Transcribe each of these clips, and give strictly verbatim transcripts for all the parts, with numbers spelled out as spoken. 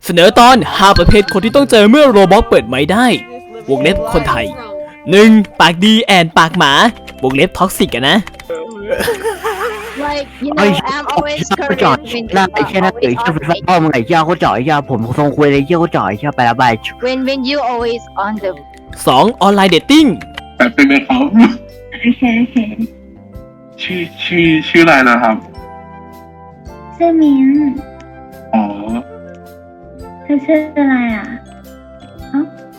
เสนอตอนห้าประเภทคนที่ต้องเจอเมื่อโรบอทเปิดไม้ได้วงเล็บคนไทย หนึ่ง ปากดีแอนปากหมาวงเล็บท็อกซิกอะนะ Like, you ไอ้ know, เหี้ย I'm always เขาจ่อย Korean หน้า when ไอ้ you เหี้ย are หน้าเต๋อ always เหี้ย on เป็น the พ่อมึงไอ้เหี้ยเขาจ่อยไอ้เหี้ยผมทรงคุยเลยเหี้ยเขาจ่อยไอ้เหี้ยไปละบาย when when you always on the สอง ออนไลน์เดทติ้งแต่เป็นเลยครับโอเคโอเคชื่อชื่อชื่ออะไรนะครับชื่อมิ้นอ๋อเธอชื่ออะไรอ่ะเอ้า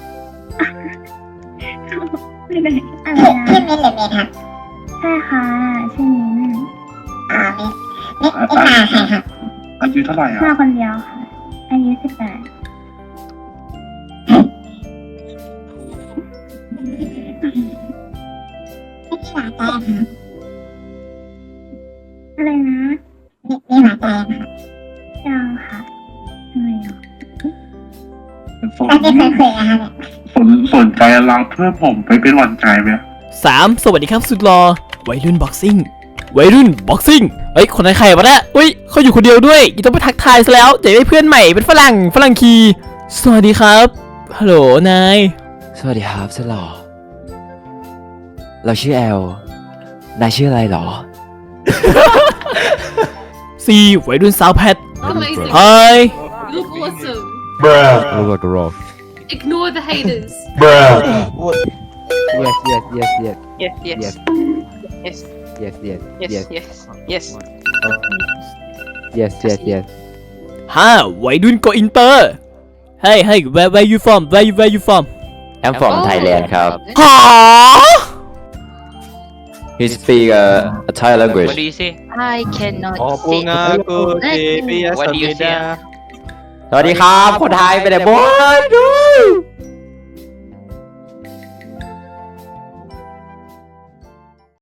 ไม่ได้อะไรนะชื่อมิ้นหรือเมย์ครับใช่ค่ะชื่อมิ้นอ่ามิ้นมิ้นมิ้นมาใครครับอายุเท่าไหร่อ่ะมาคนเดียวค่ะอายุสิบแปดไม่มีหวานใจครับอะไรนะมีมีหวานใจครับยังค่ะทำไมอ่ะสนแล้วที่เคยคุยกันครับสนสนใจรับเพื่อผมไปเป็นหวานใจไหมสาม สวัสดีครับสุดหล่อวัยรุ่นบ็อกซิ่งวัยรุ่นบ็อกซิ่งเฮ้ยคนไหนใครวะเนี่ยอุ้ยเขาอยู่คนเดียวด้วยยังต้องไปทักทายซะแล้วจะได้เพื่อนใหม่เป็นฝรั่งฝรั่งคีสวัสดีครับฮัลโหลนายสวัสดีครับสุดหล่อเราชื่อแอล นายชื่ออะไรหรอสี่ วัยรุ่นสาวแพท Amazing. เฮ้ย You look awesome. Look like a rock Ignore the haters. Yes yes yes yes Yes, yes, yes yes, yes yes yes, yes yes, yes. yes yes yes ห้า วัยรุ่นโกอินเตอร์เฮ้ยเฮ้ย where where you from where you where you from I'm from Thailand ครับหา He speak uh, a Thai language What do you say? I cannot โอ้ปู sit งากูทีปิย What do you สั say? ดาสวัสดีครับคนไทยไปไหนบ้าง